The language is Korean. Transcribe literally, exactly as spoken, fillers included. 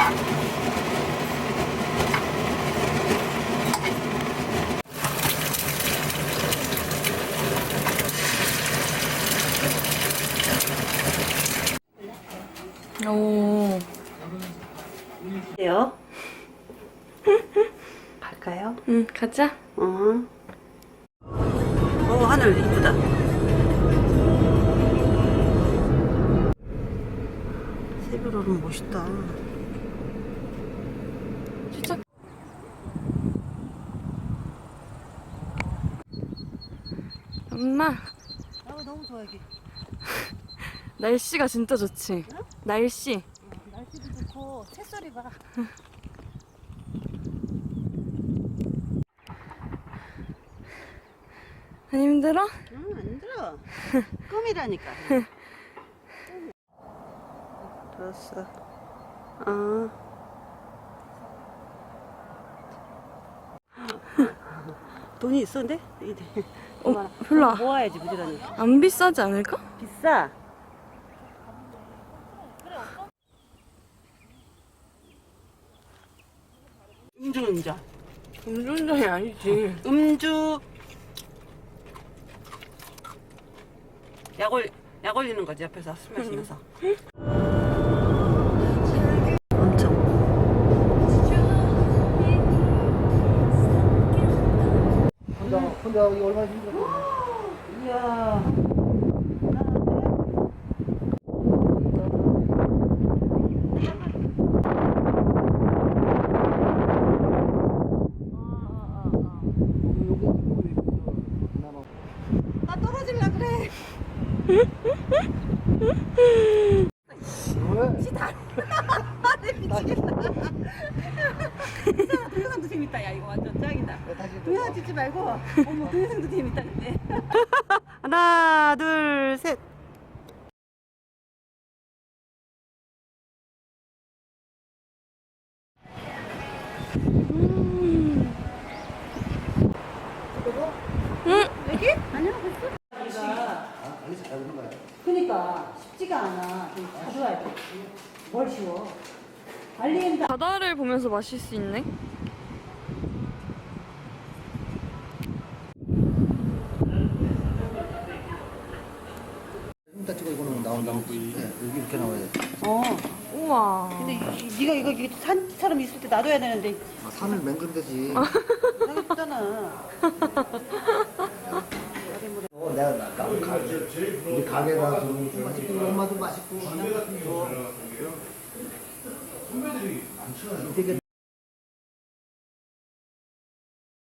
오. 어때요? 갈까요? 응, 가자. 어. 어, 하늘 이쁘다. 새별호는 멋있다. 진짜. 엄마. 아, 너무 좋아 여기. 날씨가 진짜 좋지? 응? 날씨. 어, 날씨도 좋고 새소리 봐. 안 힘들어? 응, 안 힘들어. 꿈이라니까. 들었어. 어. 돈이 있었는데? 어, 별로 안- 모아야지 부지런히. 안 비싸지 않을까? 비싸. 음주 음주. 음주운전이 아니지. 음주. 약 올, 약 올리는 거지 옆에서 술 마시면서. 엄청. 혼자 혼자 여기 얼마나 힘들었어. 이야. 나 떨어질라 그래. 시다. 미치겠다. 동영상도 재밌다. 야 이거 완전 짱이다. 동영상 찍지 말고 어머 동영상도 재밌다 근데. 하나 둘 셋. 음. 응? 여기? 아니야 됐어. 알리지 잘 오는 거야. 그니까 쉽지가 않아. 좀 가져와야 돼. 뭘 쉬워. 알리엔다. 바다를 보면서 마실 수 있네. 딱 찍어 이거는 나온다면 네, 여기 이렇게 나와야 돼. 어. 우와. 근데 이, 이, 네가 이거 이게 산처럼 있을 때 놔둬야 되는데 아, 산을 맹그면 되지. 상했잖아. 어, 내가 나, 나 가, 우리 가게 가서 좀 맛있고 엄마도 맛있고 되게